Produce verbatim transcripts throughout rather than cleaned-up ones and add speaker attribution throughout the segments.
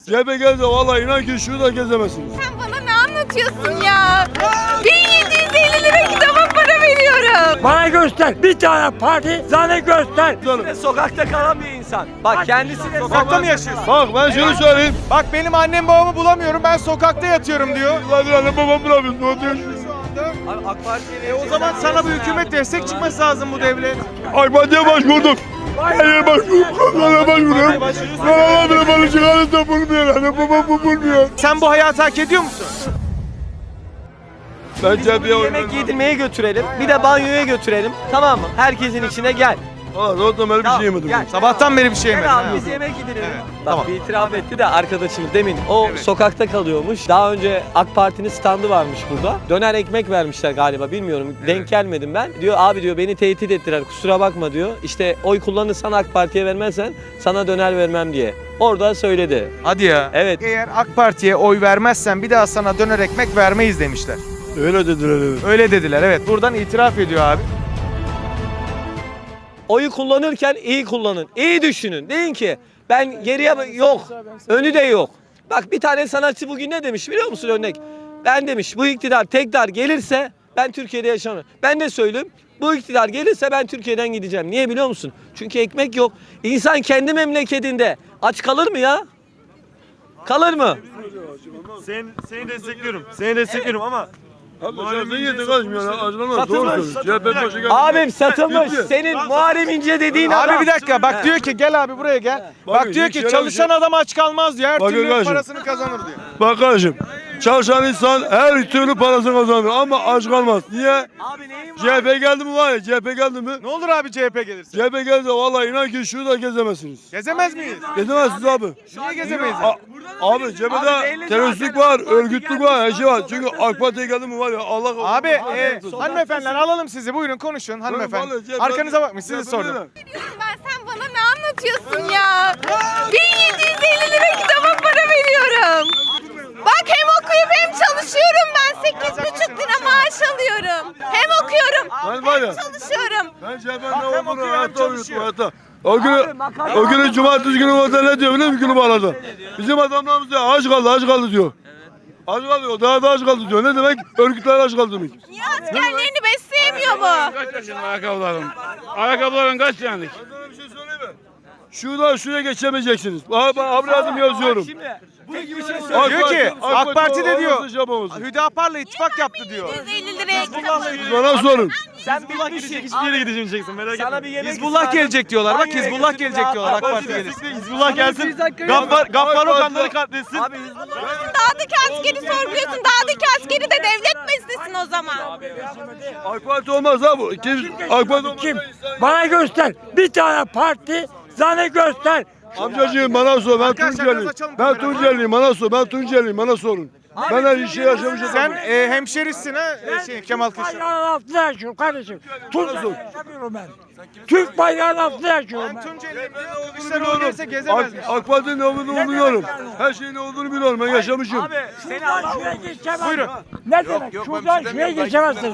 Speaker 1: C H P geldi vallahi inan ki şurada gezemezsiniz.
Speaker 2: Sen bana ne anlatıyorsun ya? bin yedi yüz elli lira kitaba para veriyorum.
Speaker 3: Bana göster. Bir tane parti zane göster.
Speaker 4: Sokakta kalan bir insan. Bak kendisi de
Speaker 5: Sokakta mı yaşıyorsun?
Speaker 1: Bak ben şunu söyleyeyim.
Speaker 5: Bak benim annem babamı bulamıyorum, ben sokakta yatıyorum diyor.
Speaker 1: Vallahi annem babam bulamıyorsun. O diyor.
Speaker 4: Abi AK Parti'ye
Speaker 5: E o zaman sana bu hükümet destek çıkması lazım, bu devlet.
Speaker 1: AK Parti'ye başvurduk. Her yere başvurduk. Kanala başvuruyorum. Kanala bile bana çıkarız da bulmuyor. Annem babam bu bulmuyor.
Speaker 5: Sen bu hayatı hak ediyor musun?
Speaker 1: Ben C H P'ye oy
Speaker 4: yemek
Speaker 1: vermem.
Speaker 4: yedirmeye götürelim. Bir de banyoya götürelim. Tamam mı? Herkesin içine gel.
Speaker 1: Aa zaten böyle bir şey yemedim.
Speaker 4: Gel.
Speaker 5: Sabahtan beri bir şey yemedim.
Speaker 4: Gel abi
Speaker 5: ha.
Speaker 4: biz yemek yedirelim.
Speaker 5: Evet,
Speaker 4: Bak
Speaker 5: tamam.
Speaker 4: bir itiraf etti de arkadaşımız demin. O sokakta kalıyormuş. Daha önce AK Parti'nin standı varmış burada. Döner ekmek vermişler galiba, bilmiyorum. Denk gelmedim ben. Diyor abi diyor beni tehdit ettiler, kusura bakma diyor. İşte oy kullanırsan AK Parti'ye vermezsen sana döner vermem diye. Orada söyledi.
Speaker 5: Hadi ya.
Speaker 4: Evet.
Speaker 5: Eğer AK Parti'ye oy vermezsen bir daha sana döner ekmek vermeyiz demişler.
Speaker 1: Öyle dediler evet.
Speaker 5: Öyle dediler, evet. Buradan itiraf ediyor abi.
Speaker 4: Oyu kullanırken iyi kullanın. İyi düşünün. Deyin ki ben geriye yok. Önü de yok. Bak bir tane sanatçı bugün ne demiş biliyor musun örnek? Ben demiş bu iktidar tekrar gelirse ben Türkiye'de yaşamam. Ben de söyleyeyim. Bu iktidar gelirse ben Türkiye'den gideceğim. Niye biliyor musun? Çünkü ekmek yok. İnsan kendi memleketinde aç kalır mı ya? Kalır mı?
Speaker 6: Seni, seni destekliyorum. Seni destekliyorum ama
Speaker 1: Abi sen yedin kaçmıyor ya. Acılamaz. Doğru söylüyorsun. C H P başı geldi.
Speaker 4: Abim satılmış.
Speaker 1: Bitti.
Speaker 4: Senin Muharrem İnce dediğin adam.
Speaker 5: Abi bir dakika, bak diyor ki gel abi buraya gel. Bak
Speaker 1: Bakın,
Speaker 5: diyor
Speaker 1: hiç
Speaker 5: ki
Speaker 1: öyle bir
Speaker 5: çalışan
Speaker 1: şey-
Speaker 5: adam aç kalmaz diyor. Her
Speaker 1: Bakın
Speaker 5: türlü
Speaker 1: kardeşim.
Speaker 5: parasını kazanır diyor.
Speaker 1: Bak kardeşim. Çalışan insan her türlü parasını kazanır ama aç kalmaz. Niye?
Speaker 4: Abi neyin var?
Speaker 1: C H P geldi mi var ya? C H P geldi mi?
Speaker 5: Ne olur abi C H P gelirse?
Speaker 1: C H P geldi vallahi inan ki şurada gezemezsiniz.
Speaker 5: Gezemez miyiz?
Speaker 1: Gezemezsiniz abi.
Speaker 5: Niye gezemeyiz?
Speaker 1: A- Abi C H P'de teröristlik var, örgütlük var, her şey var. Çünkü AK Parti'ye geldi mi var ya Allah
Speaker 5: Abi e, hanımefendiler alalım sizi, buyurun konuşun hanımefendi.
Speaker 1: vallahi C H P
Speaker 5: Arkanıza bakmış, sizi
Speaker 1: C H P
Speaker 5: sordum.
Speaker 1: değil.
Speaker 2: Ben sen bana ne anlatıyorsun ya? bin yedi yüz elli lira kitaba para veriyorum. Bak hem okuyup hem çalışıyorum ben. sekiz buçuk lira maaş alıyorum. Hem okuyorum
Speaker 1: Ben var ya.
Speaker 2: hem çalışıyorum.
Speaker 1: Ben C H P'nin ne olduğunu hayatta unuttum hayatta. O günü, o günü cumartesi günü orada ne diyor biliyor musun günü bağladı? Bizim adamlarımız diyor aç kaldı aç kaldı diyor. Aç kalıyor daha da aç kaldı diyor. Ne demek? Örgütler aç kaldı demek.
Speaker 2: Niye askerlerini besleyemiyor bu?
Speaker 7: Kaç yaşında ayakkabıların? Ayakkabıların kaç yani?
Speaker 1: Ben sana bir şey söyleyeyim mi? Şuradan şuraya geçemeyeceksiniz. Abi, abi adım yazıyorum.
Speaker 4: Tek bir şey
Speaker 1: AK
Speaker 5: Diyor ki
Speaker 1: Parti-
Speaker 5: AK Parti de diyor
Speaker 1: olmasa şey yapamaz.
Speaker 5: Hüdapar'la ittifak yaptı diyor.
Speaker 2: yüz elli liraya kitap
Speaker 1: Bana sorun.
Speaker 4: Sen bitmişsin.
Speaker 6: Hiçbir yere gidemeyeceksin, merak etme.
Speaker 4: Sana bir yemek
Speaker 5: Hizbullah
Speaker 4: ısmarladım.
Speaker 5: gelecek diyorlar. Bak
Speaker 4: Banyoya
Speaker 5: Hizbullah
Speaker 4: götürün
Speaker 5: gelecek
Speaker 4: ya.
Speaker 5: diyorlar. AK
Speaker 6: Parti
Speaker 5: Parti gelirse.
Speaker 6: destekle, Hizbullah gelsin.
Speaker 4: dakika
Speaker 6: Gaffar,
Speaker 1: yok.
Speaker 6: Gaffar
Speaker 1: AK
Speaker 6: Okanları
Speaker 1: Parti-
Speaker 6: katletsin.
Speaker 4: Abi Hizbullah.
Speaker 2: Dağdaki askeri sorguluyorsun. Dağdaki askeri de devlet beslesin o zaman.
Speaker 1: AK Parti olmaz abi. Kim? AK Parti olmaz.
Speaker 3: Kim? Bana göster. Bir tane parti zane göster.
Speaker 1: Amcacığım bana sor. Ben
Speaker 5: Arkadaşlar,
Speaker 1: Tunceliyim.
Speaker 5: biraz açalım
Speaker 1: Ben
Speaker 5: kamerayı.
Speaker 1: Tunceliyim. Bana sor. Ben Tunceliyim. Bana sorun. Ben her işi yaşamışım.
Speaker 5: Sen e, hemşerisin ha e, şey, Kemal Kılıçdaroğlu.
Speaker 3: Bayrağın altında yaşıyorum kardeşim. Tunceli yaşamıyorum ben. Türk bayrağının altında yaşıyorum ben.
Speaker 5: Tunceliyim diyor. Kılıçdaroğlu gelirse gezemez.
Speaker 1: AK, AK Parti'nin ne olduğunu biliyorum. Her şeyin ne olduğunu biliyorum. Ben yaşamışım.
Speaker 4: Abi seni
Speaker 3: Şuradan şuraya geçemezsiniz.
Speaker 5: Buyurun.
Speaker 3: Ne demek? Şuradan şuraya geçemezsiniz.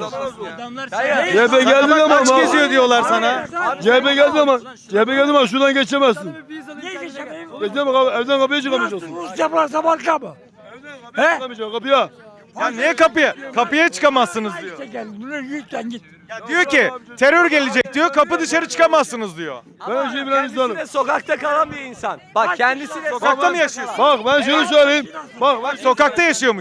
Speaker 1: C H P geldi ama.
Speaker 5: Kaç geziyor diyorlar sana.
Speaker 1: C H P geldi ama. C H P geldi ama şuradan geçemezsin.
Speaker 3: Niye geçemeyim?
Speaker 1: Geçemem abi. Evden kapıya çıkamayacaksın.
Speaker 3: Rusya burası Balkan mı? He?
Speaker 1: Çıkamayacaksın kapıya.
Speaker 5: Ya niye kapıya? Kapıya çıkamazsınız diyor.
Speaker 3: İşte gel. Bunu lütfen git.
Speaker 5: Ya diyor ki terör gelecek diyor. Kapı dışarı çıkamazsınız diyor.
Speaker 1: Ben her şeyi bilen
Speaker 4: kendisi
Speaker 1: insanım.
Speaker 4: de sokakta kalan bir insan. Bak kendisi de
Speaker 5: Sokakta mı yaşıyorsun?
Speaker 1: Bak ben şunu söyleyeyim. Bak bak.
Speaker 5: Sokakta yaşıyormuş.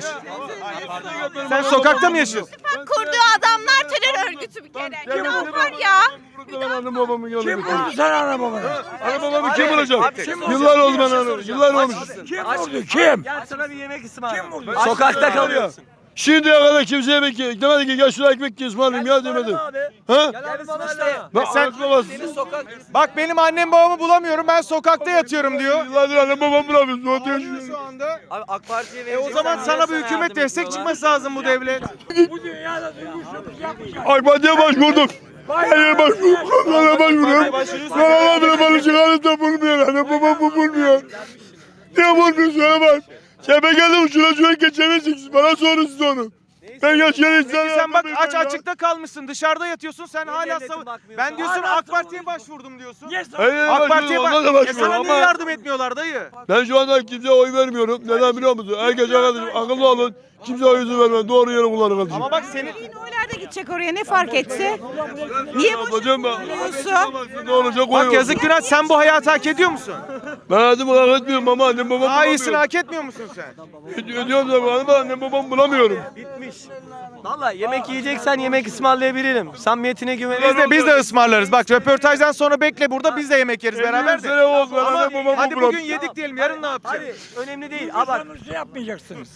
Speaker 5: Sen sokakta mı yaşıyorsun?
Speaker 2: Bak kurduğu adamlar terör örgütü bir kere. Günah var ya.
Speaker 1: Ben annem babamı
Speaker 3: Kim
Speaker 1: görmedim.
Speaker 3: vurdu sen ana babanı?
Speaker 1: Anne babamı kim bulacak? Yıllar oldu ben anladım. Yıllar olmuş.
Speaker 3: Kim vurdu? Kim?
Speaker 4: Gel sana bir yemek ısmarlayayım.
Speaker 3: Kim vurdu?
Speaker 4: Sokakta kalıyorsun.
Speaker 1: Şimdiye kadar kimse yemek ye- demedi ki gel şuraya ekmek ye ısmarlayayım ya demedi. Ha?
Speaker 4: Gel bana işte.
Speaker 1: Ben
Speaker 5: sen-
Speaker 1: sen babası.
Speaker 4: Seni sokak.
Speaker 5: Bak benim annem babamı bulamıyorum. Ben sokakta yatıyorum diyor.
Speaker 1: Yıllardır annem babam bulamıyorsun. O diyor.
Speaker 5: Şu anda.
Speaker 4: Abi AK Parti'ye
Speaker 5: E o zaman sana bu hükümet destek çıkması lazım, bu devlet.
Speaker 3: Bu dünyada duygusuzluk yapmayacak.
Speaker 1: AK Parti'ye başvurduk. Her yere başvurduk. Kanala başvuruyorum. Kanala bile bana çıkarız da bulmuyor. Annem babam bu bulmuyor. Niye bulmuyor söyle bak. C H P geldi uçuna şuraya geçemeyeceksiniz. Bana sorun siz onu. Ben yaşayan insanım.
Speaker 5: Sen bak aç açıkta kalmışsın. Dışarıda yatıyorsun. Sen hala
Speaker 4: devletin
Speaker 5: savun.
Speaker 4: bakmıyor
Speaker 5: Ben
Speaker 4: sana?
Speaker 5: diyorsun
Speaker 3: Hala
Speaker 5: AK Parti'ye
Speaker 3: savunuyorsun.
Speaker 5: başvurdum diyorsun.
Speaker 3: Niye
Speaker 1: Hayır,
Speaker 5: AK Parti'ye
Speaker 1: ona da
Speaker 5: bak. E
Speaker 1: başvuruyorum
Speaker 5: sana niye
Speaker 1: ama
Speaker 5: yardım etmiyorlar dayı?
Speaker 1: ben şu anda kimseye oy vermiyorum. Neden biliyor musun? Herkes arkadaşım akıllı olun. Kimseye oyunuzu vermeyin. Doğru yere kullanın kardeşim.
Speaker 5: Ama bak senin
Speaker 2: Oylar da gidecek oraya ne fark etti? Niye
Speaker 1: Hocam bak.
Speaker 2: boşanıyorsun?
Speaker 1: Ne olacak
Speaker 5: bak
Speaker 1: oy
Speaker 5: yazık günah sen bu hayatı hak ediyor musun?
Speaker 1: Ben hayatımı hak etmiyorum ama annem babam
Speaker 5: Daha iyisini
Speaker 1: bulamıyorum.
Speaker 5: hak etmiyor musun sen?
Speaker 1: Öd- Ödüyorum da ama annem babam bulamıyorum.
Speaker 4: Bitmiş. Valla yemek yiyeceksen yemek ısmarlayabilirim. Samimiyetine güvenirim.
Speaker 5: Biz de biz de ısmarlarız. Bak röportajdan sonra bekle burada biz de yemek yeriz beraber de.
Speaker 1: Sene oldu ben
Speaker 5: Ama
Speaker 1: annem babamı
Speaker 5: hadi bugün
Speaker 1: bulamıyorum.
Speaker 5: yedik diyelim yarın ne yapacağız?
Speaker 4: Hadi önemli değil. Aa bak.
Speaker 3: Sömürüsü yapmayacaksınız.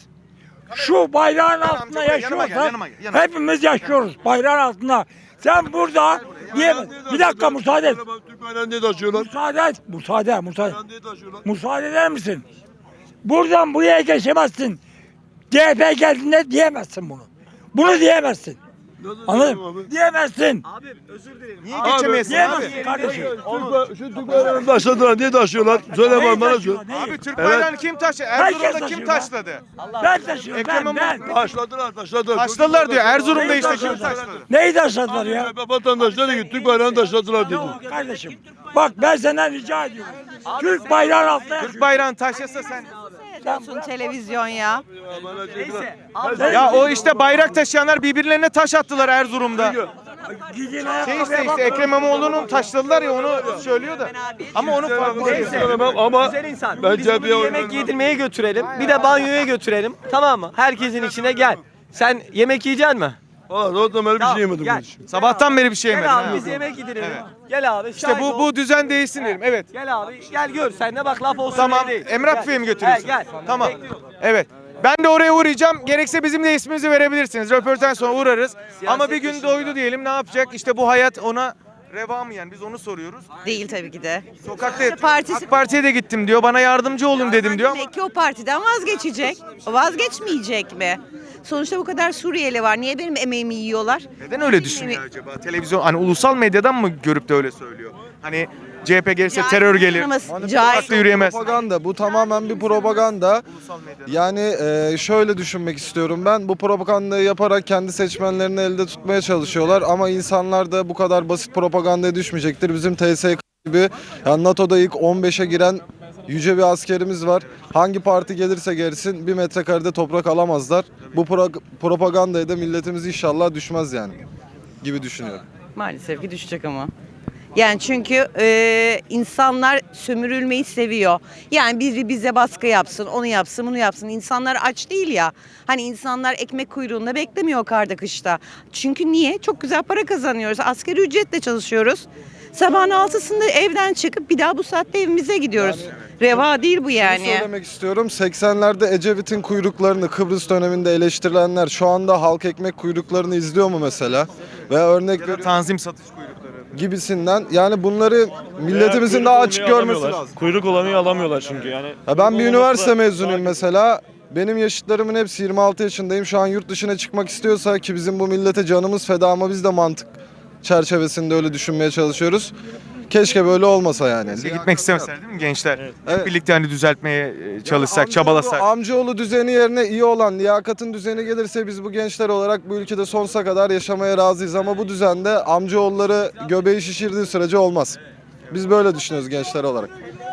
Speaker 3: Şu bayrağın altında
Speaker 5: amca, yanıma gel,
Speaker 3: yaşıyorsak
Speaker 5: yanıma gel, yanıma.
Speaker 3: hepimiz yaşıyoruz bayrağın altında. Sen burada niye? Bir dakika müsaade et.
Speaker 1: Türk bayrağını niye taşıyorlar?
Speaker 3: Müsaade et. Müsaade, müsaade.
Speaker 1: Bayrağını niye taşıyorlar?
Speaker 3: Müsaade eder misin? Buradan buraya geçemezsin. C H P geldiğinde diyemezsin bunu. Bunu diyemezsin. Anladın mı? Diyemezsin.
Speaker 4: Abi özür dilerim.
Speaker 5: Niye
Speaker 1: Abi,
Speaker 5: geçemeyesin
Speaker 3: Diyemezsin
Speaker 5: abi?
Speaker 3: kardeşim.
Speaker 1: Türk ba- Şu Türk bayrağını taşladılar. Niye taşıyorlar? Söyle bana bana söyle.
Speaker 5: Abi Türk
Speaker 1: Evet.
Speaker 5: bayrağını kim taşladı?
Speaker 3: Herkes
Speaker 5: Erzurum'da kim
Speaker 3: taşıyor
Speaker 5: taşladı?
Speaker 3: Ben taşıyorum
Speaker 5: Ekrem
Speaker 3: ben ben.
Speaker 5: İmamoğlu-
Speaker 1: Taşladılar taşladılar.
Speaker 5: Taşladılar diyor. Erzurum'da işte kim
Speaker 3: taşladılar?
Speaker 5: taşladı?
Speaker 3: Neyi taşladılar ya?
Speaker 1: Vatandaş dedi ki Türk bayrağını taşladılar dedi.
Speaker 3: Yok kardeşim. Bak ben senden rica ediyorum. Türk bayrağın altında
Speaker 5: Türk
Speaker 3: yaşıyoruz.
Speaker 5: bayrağını taşlasa sen.
Speaker 2: Seyrediyorsun televizyon ya.
Speaker 4: Neyse.
Speaker 5: Ya o işte bayrak taşıyanlar birbirlerine taş attılar Erzurum'da.
Speaker 3: Gidin
Speaker 5: Şey
Speaker 3: ayakkabıya
Speaker 5: işte,
Speaker 3: bak.
Speaker 5: işte Ekrem İmamoğlu'nu taşladılar ya onu söylüyor da. Ama onu farklı değil.
Speaker 1: Söylemem ama
Speaker 4: Güzel insan.
Speaker 1: ben
Speaker 4: Biz bunu
Speaker 1: cepheye oy
Speaker 4: yemek
Speaker 1: vermem.
Speaker 4: yedirmeye götürelim. Bir de banyoya götürelim. Tamam mı? Herkesin içine gel. Sen yemek yiyecek misin?
Speaker 1: Valla o zaman bir
Speaker 4: Tamam,
Speaker 1: şey yemedim.
Speaker 4: gel.
Speaker 1: ben hiç.
Speaker 5: Sabahtan beri bir şey yemedin.
Speaker 4: Gel abi
Speaker 5: ha.
Speaker 4: biz yemek yedirelim. Gel abi.
Speaker 5: İşte
Speaker 4: şahit
Speaker 5: bu
Speaker 4: ol.
Speaker 5: bu düzen değişsin derim. Evet.
Speaker 4: Gel abi gel gör. Sen de bak laf olsun
Speaker 5: Tamam.
Speaker 4: diye değil.
Speaker 5: Emrah
Speaker 4: Gel.
Speaker 5: Büfe'ye mi götürüyorsun?
Speaker 4: He, gel.
Speaker 5: Tamam.
Speaker 4: Bekliyorum.
Speaker 5: Evet. Ben de oraya uğrayacağım. Gerekse bizim de ismimizi verebilirsiniz. Röportaj sonra uğrarız. Ama bir gün doydu diyelim ne yapacak? İşte bu hayat ona reva mı yani? Biz onu soruyoruz.
Speaker 2: Değil tabii ki de.
Speaker 5: Sokakta
Speaker 2: Partisi-
Speaker 5: AK Parti'ye de gittim diyor. Bana yardımcı olun dedim diyor ama
Speaker 2: Demek ki o partiden vazgeçecek. Vazgeçmeyecek mi? Sonuçta bu kadar Suriyeli var. Niye benim emeğimi yiyorlar?
Speaker 5: neden öyle düşünüyor acaba? Televizyon hani ulusal medyadan mı görüp de öyle söylüyor? Hani C H P gelirse terör gelir.
Speaker 2: Cahil.
Speaker 5: Sokakta yürüyemez.
Speaker 8: Propaganda. Bu tamamen bir propaganda.
Speaker 5: Ulusal medyadan.
Speaker 8: Yani e, şöyle düşünmek istiyorum ben. Bu propagandayı yaparak kendi seçmenlerini elde tutmaya çalışıyorlar. Ama insanlar da bu kadar basit propagandaya düşmeyecektir. Bizim T S K gibi yani NATO'da ilk on beşe giren yüce bir askerimiz var. Hangi parti gelirse gelsin bir metrekarede toprak alamazlar. Bu pro- propagandaya da milletimiz inşallah düşmez yani gibi düşünüyorum.
Speaker 2: Maalesef ki düşecek ama. Yani çünkü e, insanlar sömürülmeyi seviyor. Yani biri bize baskı yapsın, onu yapsın, bunu yapsın. İnsanlar aç değil ya. Hani insanlar ekmek kuyruğunda beklemiyor karda kışta. Çünkü niye? Çok güzel para kazanıyoruz. Asgari ücretle çalışıyoruz. Sabahın altısında evden çıkıp bir daha bu saatte evimize gidiyoruz. Reva değil bu
Speaker 8: Şunu
Speaker 2: yani.
Speaker 8: söylemek istiyorum. seksenlerde Ecevit'in kuyruklarını Kıbrıs döneminde eleştirilenler şu anda halk ekmek kuyruklarını izliyor mu mesela? Ve örnek veriyorum
Speaker 5: Tanzim satış kuyrukları.
Speaker 8: gibisinden. Yani bunları milletimizin daha açık görmesi lazım.
Speaker 6: Kuyruk olanı alamıyorlar çünkü yani.
Speaker 8: Ya ben bir üniversite mezunuyum mesela. Benim yaşıtlarımın hepsi yirmi altı yaşındayım. Şu an yurt dışına çıkmak istiyorsa ki bizim bu millete canımız feda ama biz de mantık çerçevesinde öyle düşünmeye çalışıyoruz. Keşke böyle olmasa yani.
Speaker 5: Bize gitmek istemeseler değil mi gençler? Hep
Speaker 8: Evet.
Speaker 5: birlikte hani düzeltmeye e, çalışsak,
Speaker 8: Amcaoğlu-
Speaker 5: çabalasak.
Speaker 8: Amcaoğlu düzeni yerine iyi olan liyakatın düzeni gelirse biz bu gençler olarak bu ülkede sonsuza kadar yaşamaya razıyız. Ama bu düzende amcaoğulları göbeği şişirdiği sürece olmaz. Biz böyle düşünüyoruz gençler olarak.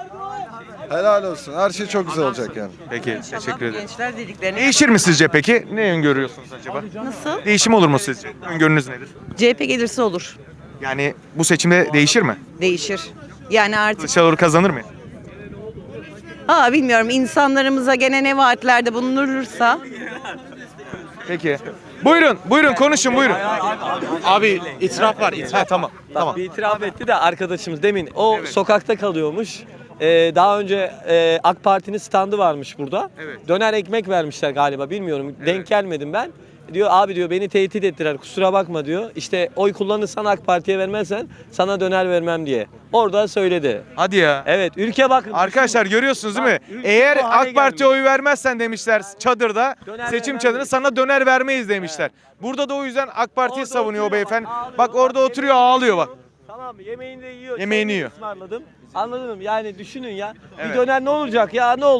Speaker 8: Helal olsun. Her şey çok güzel olacak yani.
Speaker 5: Peki, teşekkür ederim.
Speaker 2: Gençler dediklerini
Speaker 5: Değişir mi sizce peki? Ne öngörüyorsunuz acaba?
Speaker 2: nasıl?
Speaker 5: Değişim olur mu sizce? Öngörünüz nedir?
Speaker 2: C H P gelirse olur.
Speaker 5: Yani bu seçimde değişir mi?
Speaker 2: Değişir. Yani artık
Speaker 5: Kılıçdaroğlu kazanır mı?
Speaker 2: ha bilmiyorum insanlarımıza gene ne vaatlerde bulunursa
Speaker 5: Peki. Buyurun, buyurun konuşun buyurun.
Speaker 6: Abi itiraf var itiraf.
Speaker 5: Ha, tamam, tamam.
Speaker 4: Bir itiraf etti de arkadaşımız demin o sokakta kalıyormuş. Ee, daha önce e, AK Parti'nin standı varmış burada.
Speaker 5: Evet.
Speaker 4: Döner ekmek vermişler galiba bilmiyorum. Denk gelmedim ben. Diyor abi diyor beni tehdit ettiler kusura bakma diyor. İşte oy kullanırsan AK Parti'ye vermezsen sana döner vermem diye. Orada söyledi.
Speaker 5: Hadi ya.
Speaker 4: Evet ülke bakın.
Speaker 5: Arkadaşlar görüyorsunuz değil mi?
Speaker 4: Bak, ülke
Speaker 5: Eğer
Speaker 4: bu hale
Speaker 5: AK Parti'ye
Speaker 4: gelmiş.
Speaker 5: oy vermezsen demişler çadırda,
Speaker 4: Döner
Speaker 5: seçim
Speaker 4: vermem
Speaker 5: çadırında
Speaker 4: dedi.
Speaker 5: sana döner vermeyiz demişler. Burada da o yüzden AK Parti'yi
Speaker 4: Orada
Speaker 5: savunuyor o
Speaker 4: oturuyor,
Speaker 5: beyefendi.
Speaker 4: ağlıyor.
Speaker 5: Bak orada
Speaker 4: Bak,
Speaker 5: oturuyor
Speaker 4: yemeğini
Speaker 5: ağlıyor bak.
Speaker 4: Tamam mı? Yemeğini de yiyor.
Speaker 5: Yemeğini
Speaker 4: çayını
Speaker 5: yiyor.
Speaker 4: ısmarladım. Anladın mı? Yani düşünün ya.
Speaker 5: Evet.
Speaker 4: Bir döner ne olacak ya? Ne oldu?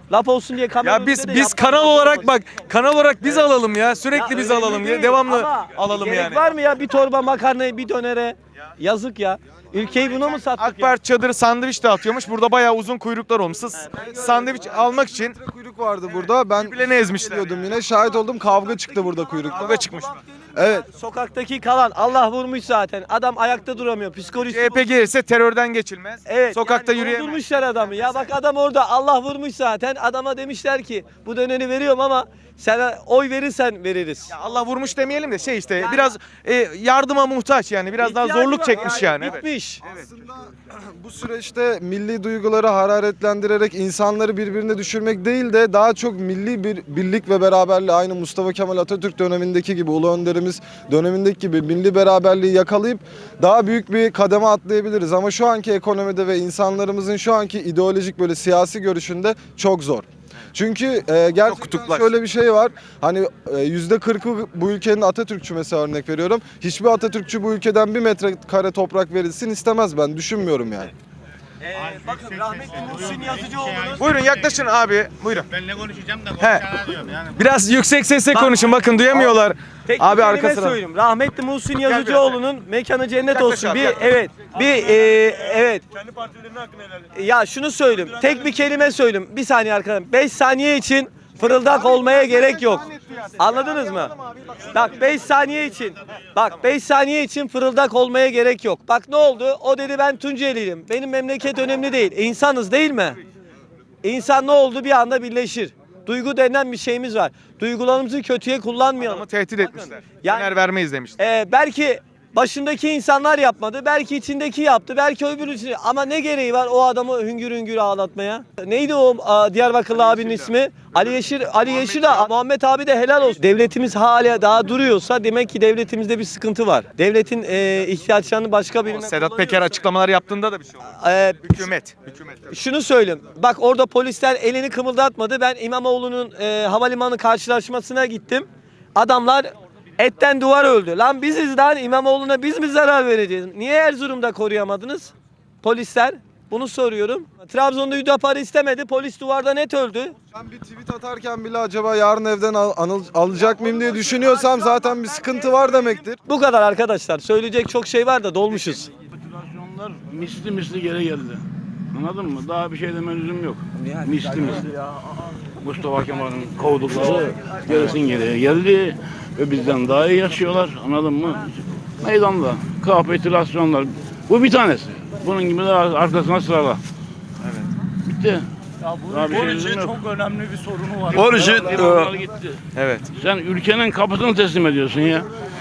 Speaker 4: Laf olsun diye kamera
Speaker 5: Ya biz
Speaker 4: önünde de
Speaker 5: biz
Speaker 4: yapmak
Speaker 5: kanal
Speaker 4: zorunda
Speaker 5: olarak
Speaker 4: olmaz.
Speaker 5: bak kanal olarak biz alalım ya. Sürekli
Speaker 4: Ya
Speaker 5: biz
Speaker 4: önemli
Speaker 5: alalım ya.
Speaker 4: değil
Speaker 5: Devamlı
Speaker 4: ama
Speaker 5: alalım
Speaker 4: gerek
Speaker 5: yani.
Speaker 4: var mı ya bir torba makarnayı bir dönere? Yazık ya. Ülkeyi buna mı sattık
Speaker 5: AK
Speaker 4: ya?
Speaker 5: Parti çadırı sandviç dağıtıyormuş. Burada bayağı uzun kuyruklar olmuş. Sırf sandviç almak için
Speaker 8: Kuyruk vardı burada. Ben
Speaker 5: birbirlerini ezmişler.
Speaker 8: geliyordum yine. Şahit oldum. Kavga çıktı burada kuyrukta.
Speaker 5: Kavga çıkmış.
Speaker 8: Evet.
Speaker 4: Sokaktaki kalan Allah vurmuş zaten. Adam ayakta duramıyor. Psikolojisi
Speaker 5: C H P gelirse terörden geçilmez.
Speaker 4: Evet.
Speaker 5: Sokakta
Speaker 4: yani
Speaker 5: yürüyemez.
Speaker 4: vurmuşlar adamı. Ya bak adam orada Allah vurmuş zaten. Adama demişler ki bu döneni veriyorum ama sen oy verirsen veririz.
Speaker 5: Ya Allah vurmuş demeyelim de şey işte biraz e, yardıma muhtaç yani. Biraz daha
Speaker 4: İhtiyacı
Speaker 5: zorluk
Speaker 4: var
Speaker 5: çekmiş yani. Evet.
Speaker 4: Bitmiş.
Speaker 8: Aslında bu süreçte milli duyguları hararetlendirerek insanları birbirine düşürmek değil de daha çok milli bir birlik ve beraberliği aynı Mustafa Kemal Atatürk dönemindeki gibi, Ulu Önderimiz dönemindeki gibi milli beraberliği yakalayıp daha büyük bir kademe atlayabiliriz. Ama şu anki ekonomide ve insanlarımızın şu anki ideolojik böyle siyasi görüşünde çok zor. Çünkü e, gerçekten
Speaker 5: kutuplaştı.
Speaker 8: şöyle bir şey var. Hani e, yüzde kırkı bu ülkenin Atatürkçü mesela örnek veriyorum. Hiçbir Atatürkçü bu ülkeden bir metrekare toprak verilsin istemez, ben düşünmüyorum yani.
Speaker 4: Ee, bakın rahmetli Muhsin Yazıcıoğlu'nun
Speaker 5: Buyurun yaklaşın abi. Buyurun.
Speaker 7: Ben ne konuşacağım da
Speaker 5: He.
Speaker 7: konuşana diyorum yani.
Speaker 5: Biraz yüksek sesle konuşun. Bakın duyamıyorlar.
Speaker 4: tek
Speaker 5: Abi
Speaker 4: bir
Speaker 5: arka
Speaker 4: kelime
Speaker 5: sıra.
Speaker 4: söyleyeyim. Rahmetli Muhsin
Speaker 5: biraz
Speaker 4: Yazıcıoğlu'nun mekanı cennet
Speaker 5: Yaklaş
Speaker 4: olsun.
Speaker 5: abi,
Speaker 4: Bir
Speaker 5: yaklaş.
Speaker 4: evet. Bir e, evet.
Speaker 5: Kendi partilerinin hakkını helal et.
Speaker 4: Ya şunu söyleyeyim. Tek bir kelime söyleyeyim. Bir saniye arkadaşlar. beş saniye için fırıldak olmaya gerek yok. Anladınız mı? Bak beş saniye için. Bak beş saniye için fırıldak olmaya gerek yok. Bak ne oldu? O dedi ben Tunceliyim. Benim memleket önemli değil. E, İnsanız değil mi? İnsan ne oldu? Bir anda birleşir. Duygu denen bir şeyimiz var. Duygularımızı kötüye kullanmayalım.
Speaker 5: Ama tehdit etmişler.
Speaker 4: Yani-
Speaker 5: Döner vermeyiz demişler.
Speaker 4: Ee, belki başındaki insanlar yapmadı, belki içindeki yaptı, belki öbürü ama ne gereği var o adamı hüngür hüngür ağlatmaya? Neydi o a, Diyarbakırlı abinin ismi? Ali Yeşil, Ali Yeşil de Muhammed abi de helal olsun. Devletimiz hala daha duruyorsa demek ki devletimizde bir sıkıntı var. Devletin e, ihtiyaçlarını başka birine
Speaker 5: Sedat Peker açıklamalar yaptığında da bir şey oldu.
Speaker 4: Ee,
Speaker 5: Hükümet. Hükümet.
Speaker 4: şunu söyleyeyim. Bak orada polisler elini kımıldatmadı. Ben İmamoğlu'nun e, havalimanı karşılaşmasına gittim. Adamlar etten duvar öldü. Lan biziz lan İmamoğlu'na biz mi zarar vereceğiz? Niye Erzurum'da koruyamadınız? Polisler. Bunu soruyorum. Trabzon'da Hüdapar'ı istemedi. Polis duvarda net öldü.
Speaker 8: Ben bir tweet atarken bile acaba yarın evden al- anıl- alacak mıyım diye düşünüyorsam zaten bir sıkıntı var demektir.
Speaker 4: Bu kadar arkadaşlar. Söyleyecek çok şey var da dolmuşuz.
Speaker 7: Kapitülasyonlar misli misli geri geldi. Anladın mı? Daha bir şey deme lüzum yok. Misli misli. Mustafa Kemal'in kovdukları gerisin geriye geldi ve bizden daha iyi yaşıyorlar. Anladın mı? Meydanda kapitülasyonlar. Bu bir tanesi. Bunun gibi de arkasına sırala. Evet. Bitti. Daha bir şey lüzum yok.
Speaker 6: Çok önemli bir sorunu var.
Speaker 1: Onun için
Speaker 7: Eyvallah,
Speaker 1: e,
Speaker 7: gitti.
Speaker 5: Evet.
Speaker 7: Sen ülkenin kapısını teslim ediyorsun ya.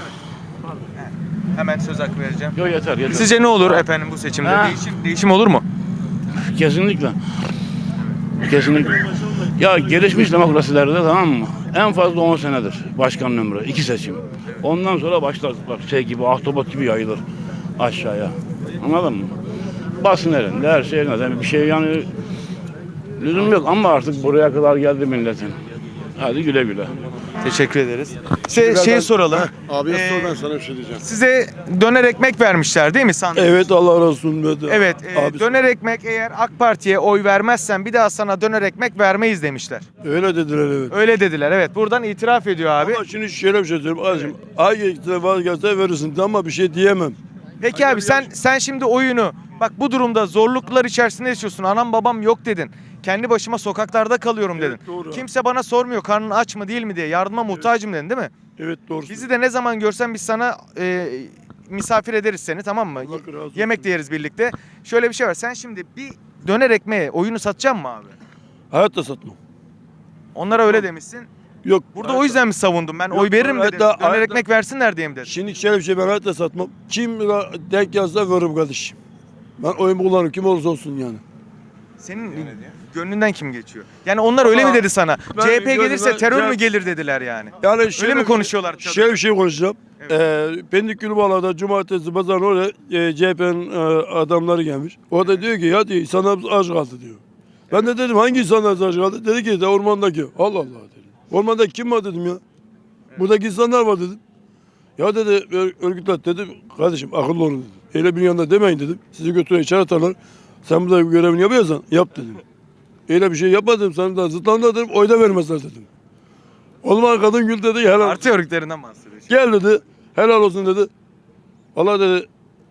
Speaker 5: Hemen söz hakkı vereceğim.
Speaker 7: Yok yeter yeter.
Speaker 5: Sizce ne olur efendim bu seçimde?
Speaker 7: Ha.
Speaker 5: Değişim, değişim olur mu?
Speaker 7: Kesinlikle. Kesinlikle. Ya gelişmiş demokrasilerde tamam mı? En fazla on senedir başkanın ömrü. iki seçim. Ondan sonra başlar bak şey gibi ahtapot gibi yayılır aşağıya. Anladın mı? Basın elinde her şey elinde. Bir şey yani lüzum yok ama artık buraya kadar geldi milletin. Hadi güle güle.
Speaker 5: Teşekkür ederiz. Şey, şey soralım.
Speaker 1: Abi
Speaker 5: Ee,
Speaker 1: sor, ben sana bir şey diyeceğim.
Speaker 5: Size döner ekmek vermişler değil mi sandviç?
Speaker 1: Evet, Allah razı olsun.
Speaker 5: Evet. e,
Speaker 1: Abi,
Speaker 5: döner ekmek eğer AK Parti'ye oy vermezsen bir daha sana döner ekmek vermeyiz demişler.
Speaker 1: öyle dediler evet.
Speaker 5: Öyle dediler. Evet. Buradan itiraf ediyor abi.
Speaker 1: Ama şimdi şöyle bir şey söyleyeyim. Kardeşim, ay gelse vazgeçse verirsin ama bir şey diyemem.
Speaker 5: Peki abi sen sen şimdi oyunu bak bu durumda zorluklar içerisinde yaşıyorsun. Anam babam yok dedin. Kendi başıma sokaklarda kalıyorum dedin.
Speaker 1: Evet, doğru.
Speaker 5: Kimse bana sormuyor karnın aç mı değil mi diye. Yardıma muhtacım dedin değil mi?
Speaker 1: Evet, doğru.
Speaker 5: Bizi de ne zaman görsen biz sana e, misafir ederiz seni, tamam mı?
Speaker 1: Allah razı olsun.
Speaker 5: Yemek de yeriz birlikte. Şöyle bir şey var. Sen şimdi bir döner ekmeğe oyunu satacaksın mı abi?
Speaker 1: Hayatta satmam.
Speaker 5: Onlara öyle demişsin.
Speaker 1: Yok.
Speaker 5: Burada
Speaker 1: hayatta-
Speaker 5: o yüzden mi savundum? Ben
Speaker 1: Yok,
Speaker 5: oy veririm
Speaker 1: hayatta-
Speaker 5: dedim. Döner
Speaker 1: hayatta-
Speaker 5: ekmek versinler diye mi dedim?
Speaker 1: Şimdi şöyle bir şey, ben hayatta satmam. Kim denk yazsa veririm kardeşim. Ben oyumu kullanırım kim olursa olsun yani.
Speaker 5: Senin gönlünden kim geçiyor? Yani onlar öyle
Speaker 1: Ama
Speaker 5: mi dedi sana?
Speaker 1: ben
Speaker 5: C H P
Speaker 1: gönlüme-
Speaker 5: gelirse terör
Speaker 1: C-
Speaker 5: mü gelir dediler yani.
Speaker 1: Yani şöyle
Speaker 5: mi
Speaker 1: bir-
Speaker 5: konuşuyorlar?
Speaker 1: Şöyle bir şey konuşacağım. Ee, Pendik Gülbağlar'da cumartesi pazar oraya e, C H P'nin e, adamları gelmiş. O da diyor ki ya diyor insanlarımız aç kaldı diyor. Ben de dedim hangi insanlar aç kaldı? Dedi ki de ormandaki. Allah Allah dedim. Ormanda kim var dedim ya. Buradaki insanlar var dedim. Ya dedi ö- örgütler dedim kardeşim akıllı olun dedim. Öyle bir yanında demeyin dedim. Sizi götürüyor içeri atarlar. Sen burada görevini yapıyorsan yap dedim. Öyle bir şey yapmadım. Sana da zıtlandı dedim. Oy da vermezler dedim. O zaman kadın gül dedi. Helal.
Speaker 5: Parti örgütlerinden bahsediyor.
Speaker 1: Gel dedi. Helal olsun dedi. Allah dedi.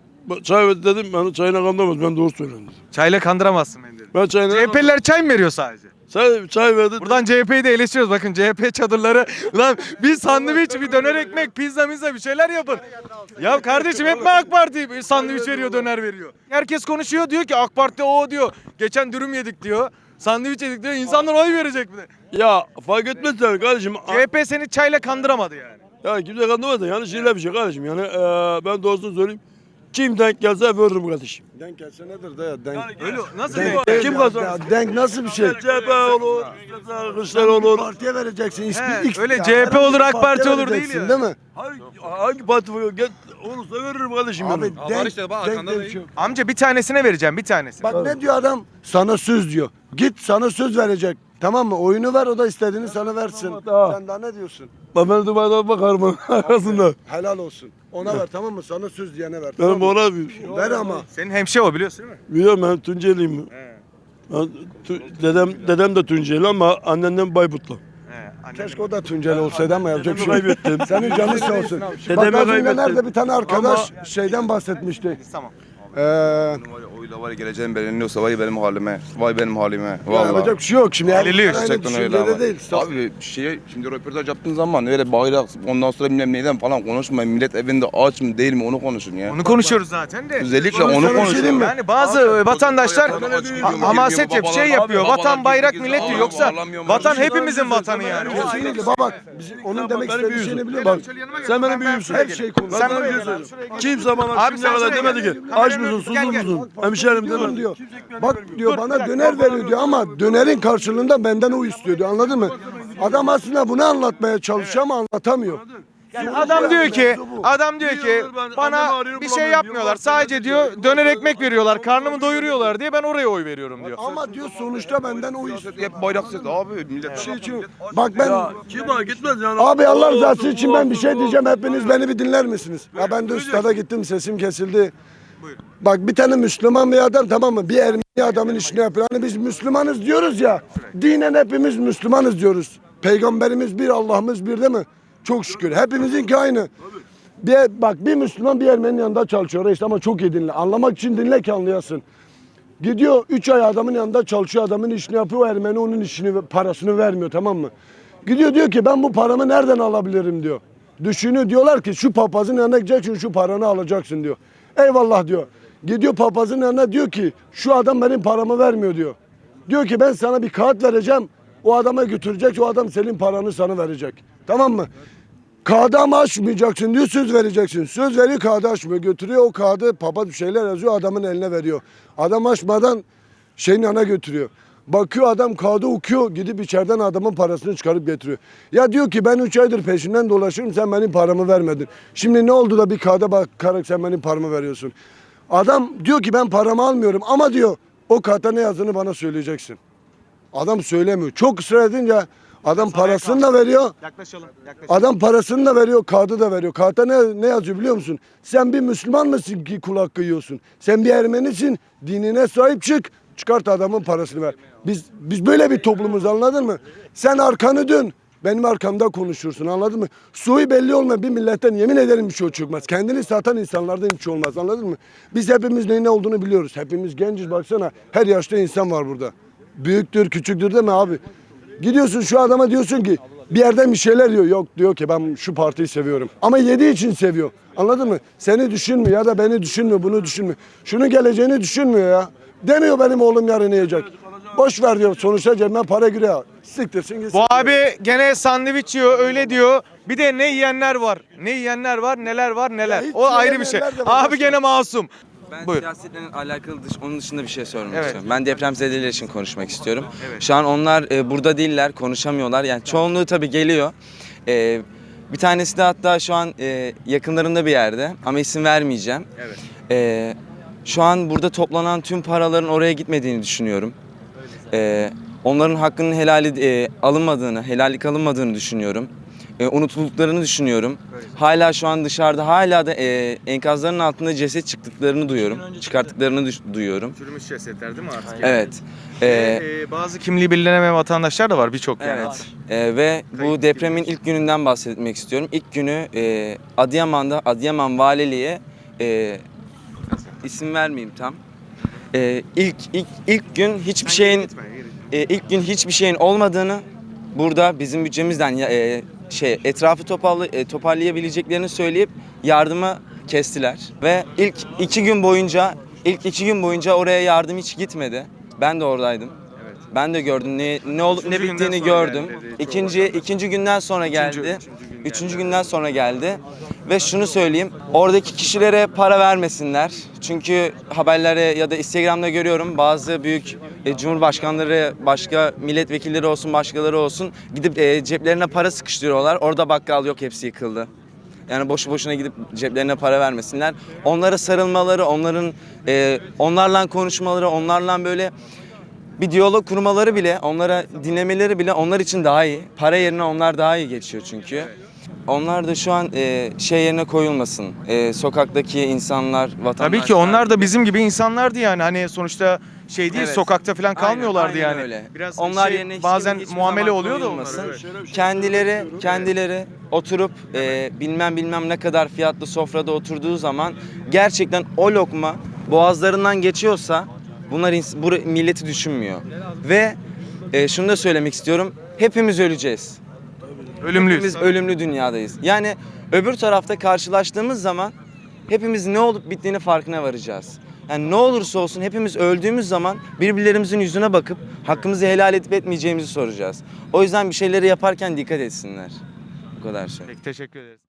Speaker 1: Çay ver dedim. Ben çayına kandırmaz. Ben doğru söylüyorum dedim.
Speaker 5: Çayla kandıramazsın beni dedi.
Speaker 1: Ben çayına...
Speaker 5: C H P'liler çay mı veriyor sadece?
Speaker 1: Çay, çay verdi.
Speaker 5: Buradan C H P'yi de eleştiriyoruz. Bakın C H P çadırları. Lan bir sandviç, bir döner ekmek, pizza mizza bir şeyler yapın. Ya kardeşim hep mi AK Parti bir sandviç veriyor, döner veriyor? Herkes konuşuyor diyor ki AK Parti o diyor. Geçen dürüm yedik diyor. Sandviç yedik diyor. İnsanlar oy verecek mi de?
Speaker 1: Ya fark etmez yani kardeşim.
Speaker 5: C H P seni çayla kandıramadı yani.
Speaker 1: Ya kimse kandırmaz da yani şeyler bir şey kardeşim. Yani eee ben doğrusunu söyleyeyim. Kim denk gelse veririm kardeşim.
Speaker 8: Denk gelse nedir de ya? Denk.
Speaker 5: Öyle nasıl
Speaker 8: Denk,
Speaker 5: bir
Speaker 1: Kim kazanır?
Speaker 8: ya, denk nasıl bir şey?
Speaker 1: C H P olur, Kılıçdaroğlu olur.
Speaker 8: Partiye vereceksin. Hiçbir,
Speaker 5: He,
Speaker 8: X-
Speaker 5: öyle
Speaker 8: ya,
Speaker 5: C H P olur,
Speaker 8: herhangi bir
Speaker 5: AK Parti
Speaker 8: partiye
Speaker 5: olur değil
Speaker 8: vereceksin,
Speaker 5: ya.
Speaker 8: Değil mi?
Speaker 1: Hangi, hangi parti gel olursa veririm kardeşim.
Speaker 8: Abi
Speaker 1: yani.
Speaker 8: denk, denk, denk şu.
Speaker 5: Amca bir tanesine vereceğim, bir tanesi.
Speaker 8: Bak ne diyor adam? Sana söz diyor. Git sana söz verecek. Tamam mı? Oyunu ver, o da istediğini sana versin.
Speaker 1: Tamam.
Speaker 8: Sen daha ne diyorsun?
Speaker 1: Ben ben Dubai'den bakarım onun arkasında.
Speaker 8: Helal olsun. Ona ver, tamam mı? Sana söz diyene ver.
Speaker 1: Benim
Speaker 8: Tamam mı?
Speaker 1: ona bir
Speaker 8: Ver ama.
Speaker 5: Senin hemşe o biliyorsun değil mi?
Speaker 1: biliyorum ben Tunceliyim. Ben, tu, dedem dedem de Tunceli ama annemden Bayburtlu.
Speaker 8: Keşke o da Tunceli olsaydı ama yapacak bir şey
Speaker 1: Dedemi
Speaker 8: yok.
Speaker 1: kaybettim.
Speaker 8: Senin canın sağ olsun.
Speaker 1: Dedemi
Speaker 8: Bak az önce
Speaker 1: kaybettim.
Speaker 8: nerede bir tane arkadaş şeyden bahsetmişti.
Speaker 5: Tamam.
Speaker 8: Ee,
Speaker 9: Oyla var ya geleceğim belirleniyorsa vay benim halime. Vay benim halime.
Speaker 8: ya
Speaker 9: Vallahi.
Speaker 8: yapacak bir şey yok şimdi. Yani
Speaker 5: Belirliyor
Speaker 8: aynı
Speaker 9: Gerçekten öyle
Speaker 8: düşüncede
Speaker 9: ama.
Speaker 8: değil.
Speaker 9: Abi şey şimdi röportaj yaptığın zaman öyle bayrak ondan sonra bilmem neyden falan konuşmayın. Millet evinde aç mı değil mi onu konuşun ya.
Speaker 5: Onu konuşuyoruz zaten de.
Speaker 9: Özellikle
Speaker 8: Sana
Speaker 9: onu
Speaker 8: bir şey
Speaker 9: konuşun.
Speaker 8: diyeyim mi?
Speaker 5: Yani bazı vatandaşlar ha- hamaset yap, şey yapıyor. Vatan, bayrak, millet diyor. Yoksa vatan hepimizin vatanı yani.
Speaker 8: Kesinlikle bak bizim onun demek
Speaker 1: Benim
Speaker 8: istediği
Speaker 1: büyüğümsün.
Speaker 8: şeyini biliyor bak.
Speaker 1: Sen benim büyüğümsün.
Speaker 8: Her şey konu.
Speaker 1: Ben
Speaker 5: Sen
Speaker 1: sana bir
Speaker 5: buraya
Speaker 1: şey
Speaker 5: gel,
Speaker 1: söyleyeyim.
Speaker 5: şuraya gel.
Speaker 1: Kimse bana
Speaker 5: Abi
Speaker 1: şimdiye
Speaker 5: sen
Speaker 1: kadar
Speaker 5: şuraya
Speaker 1: demedi
Speaker 5: gel.
Speaker 1: ki
Speaker 5: Kameranın
Speaker 1: aç mısın,
Speaker 5: önüne-
Speaker 1: susuz
Speaker 5: gel, gel.
Speaker 1: musun? Hemşerim
Speaker 8: Diyorum
Speaker 1: demedi.
Speaker 8: diyor. Bak diyor bana döner veriyor diyor ama dönerin karşılığında benden o istiyor diyor. Anladın mı? Adam aslında bunu anlatmaya çalışıyor ama anlatamıyor.
Speaker 5: Yani adam diyor ki, adam diyor ki bana bir şey yapmıyorlar. Sadece diyor döner ekmek veriyorlar, karnımı doyuruyorlar diye ben oraya oy veriyorum diyor.
Speaker 8: Ama diyor sonuçta benden o istiyor.
Speaker 9: Hep bayrak sesi abi millet.
Speaker 8: Şey için, bak ben
Speaker 1: Kim var gitmez yani.
Speaker 8: abi Allah
Speaker 1: O
Speaker 8: rızası
Speaker 1: olsun,
Speaker 8: için
Speaker 1: bu
Speaker 8: ben bir
Speaker 1: olsun,
Speaker 8: şey
Speaker 1: bu
Speaker 8: diyeceğim.
Speaker 1: olsun.
Speaker 8: Hepiniz beni bir dinler misiniz? Ya ben de üstada gittim sesim kesildi. Bak bir tane Müslüman bir adam tamam mı? Bir Ermeni adamın işini yapıyor. Hani biz Müslümanız diyoruz ya. Dinen hepimiz Müslümanız diyoruz. Peygamberimiz bir, Allah'ımız bir değil mi? Çok şükür. Hepimizinki aynı. Bir, bak bir Müslüman bir Ermeni'nin yanında çalışıyor reis ama çok iyi dinle. Anlamak için dinle ki anlayasın. Gidiyor üç ay adamın yanında çalışıyor, adamın işini yapıyor, o Ermeni onun işini, parasını vermiyor tamam mı? Gidiyor diyor ki ben bu paramı nereden alabilirim diyor. Düşünüyor diyorlar ki şu papazın yanına gideceksin şu paranı alacaksın diyor. Eyvallah diyor. Gidiyor papazın yanına diyor ki şu adam benim paramı vermiyor diyor. Diyor ki ben sana bir kağıt vereceğim, o adama götürecek, o adam senin paranı sana verecek. Tamam mı? Kağıdı ama açmayacaksın diyor, söz vereceksin. Söz veriyor, kağıdı açmıyor. Götürüyor o kağıdı, papaz bir şeyler yazıyor, adamın eline veriyor. Adam açmadan şeyin yanına götürüyor. Bakıyor adam kağıdı okuyor, gidip içeriden adamın parasını çıkarıp getiriyor. Ya diyor ki ben üç aydır peşinden dolaşıyorum, sen benim paramı vermedin. Şimdi ne oldu da bir kağıda bakarak sen benim paramı veriyorsun. Adam diyor ki ben paramı almıyorum ama diyor o kağıtta ne yazdığını bana söyleyeceksin. Adam söylemiyor. Çok ısrar edince adam parasını da veriyor.
Speaker 5: Yaklaşalım, yaklaşalım.
Speaker 8: Adam parasını da veriyor, kağıdı da veriyor. Kağıtta ne, ne yazıyor biliyor musun? Sen bir Müslüman mısın ki kul hakkı yiyorsun? Sen bir Ermenisin, dinine sahip çık, çıkart adamın parasını ver. Biz biz böyle bir toplumuz anladın mı? Sen arkanı dön, benim arkamda konuşursun anladın mı? Suyu belli olmayan bir milletten yemin ederim bir şey çıkmaz. Kendini satan insanlardan bir şey olmaz anladın mı? Biz hepimiz neyin ne olduğunu biliyoruz. Hepimiz genciz baksana, her yaşta insan var burada. Büyüktür, küçüktür deme abi. Gidiyorsun şu adama diyorsun ki bir yerden bir şeyler diyor. Yok diyor ki ben şu partiyi seviyorum. Ama yediği için seviyor. Anladın mı? Seni düşünmüyor ya da beni düşünmüyor, bunu düşünmüyor. Şunun geleceğini düşünmüyor ya. Demiyor benim oğlum yarın yiyecek. Boş ver diyor. Sonuçta cebime para giriyor. Siktirsin gitsin.
Speaker 5: Bu abi gene sandviç yiyor öyle diyor. Bir de ne yiyenler var. Ne yiyenler var, neler var, neler.
Speaker 8: Ya hiç
Speaker 5: O ayrı bir şey.
Speaker 8: yiyemeyenler de var.
Speaker 5: Abi gene masum.
Speaker 10: Ben
Speaker 5: Buyur.
Speaker 10: siyasetle alakalı dış, onun dışında bir şey sormak
Speaker 5: Evet.
Speaker 10: istiyorum. Ben depremzedeler için konuşmak istiyorum. Şu an onlar e, burada değiller, konuşamıyorlar. Yani çoğunluğu tabii geliyor. E, bir tanesi de hatta şu an e, yakınlarında bir yerde ama isim vermeyeceğim.
Speaker 5: Evet.
Speaker 10: E, şu an burada toplanan tüm paraların oraya gitmediğini düşünüyorum. E, onların hakkının helali e, alınmadığını, helallik alınmadığını düşünüyorum. e, unutulduklarını düşünüyorum. Hala şu an dışarıda hala da e, enkazların altında ceset çıktıklarını duyuyorum. Çıkarttıklarını düş- duyuyorum.
Speaker 5: Çürümüş cesetler değil mi artık?
Speaker 10: Evet. E,
Speaker 5: Ee, bazı kimliği belirlenemeyen vatandaşlar da var birçok yani.
Speaker 10: Evet. Ee, ve bu depremin ilk gününden bahsetmek istiyorum. İlk günü e, Adıyaman'da Adıyaman Valiliğe e, isim vermeyeyim tam. E, ilk ilk ilk gün hiçbir şeyin e, ilk gün hiçbir şeyin olmadığını burada bizim bütçemizden ya- e, şey etrafı toparlı, e, toparlayabileceklerini söyleyip yardımı kestiler ve ilk iki gün boyunca ilk iki gün boyunca oraya yardım hiç gitmedi. Ben de oradaydım. Ben de gördüm ne ne olup ne
Speaker 5: Üçüncü günden
Speaker 10: bittiğini
Speaker 5: sonra
Speaker 10: gördüm.
Speaker 5: geldi dedi.
Speaker 10: İkinci ikinci günden sonra geldi.
Speaker 5: üçüncü gün
Speaker 10: Üçüncü
Speaker 5: geldi.
Speaker 10: günden sonra geldi. Ve şunu söyleyeyim. Oradaki kişilere para vermesinler. Çünkü haberlere ya da Instagram'da görüyorum bazı büyük e, cumhurbaşkanları, başka milletvekilleri olsun, başkaları olsun gidip e, ceplerine para sıkıştırıyorlar. Orada bakkal yok, hepsi yıkıldı. Yani boşu boşuna gidip ceplerine para vermesinler. Onlara sarılmaları, onların e, onlarla konuşmaları, onlarla böyle bir diyalog kurmaları bile, onlara dinlemeleri bile onlar için daha iyi. Para yerine onlar daha iyi geçiyor çünkü. Onlar da şu an e, şey yerine koyulmasın. E, sokaktaki insanlar, vatandaşlar.
Speaker 5: Tabii ki onlar da bizim gibi insanlardı yani. Hani sonuçta şey değil,
Speaker 10: Evet.
Speaker 5: sokakta falan kalmıyorlardı
Speaker 10: Aynen, aynen
Speaker 5: yani.
Speaker 10: öyle.
Speaker 5: Biraz
Speaker 10: onlar
Speaker 5: şey,
Speaker 10: yerine hiç
Speaker 5: bazen
Speaker 10: kim- hiçbir
Speaker 5: muamele
Speaker 10: zaman
Speaker 5: oluyor da
Speaker 10: koyulmasın.
Speaker 5: onlara.
Speaker 10: Kendileri kendileri oturup e, bilmem bilmem ne kadar fiyatlı sofrada oturduğu zaman gerçekten o lokma boğazlarından geçiyorsa bunlar ins- bu milleti düşünmüyor. Ve e, şunu da söylemek istiyorum. Hepimiz öleceğiz.
Speaker 5: Ölümlüyüz.
Speaker 10: Hepimiz ölümlü dünyadayız. Yani öbür tarafta karşılaştığımız zaman hepimiz ne olup bittiğini farkına varacağız. Yani ne olursa olsun hepimiz öldüğümüz zaman birbirlerimizin yüzüne bakıp hakkımızı helal edip etmeyeceğimizi soracağız. O yüzden bir şeyleri yaparken dikkat etsinler. Bu kadar şey.
Speaker 5: Peki, teşekkür ederiz.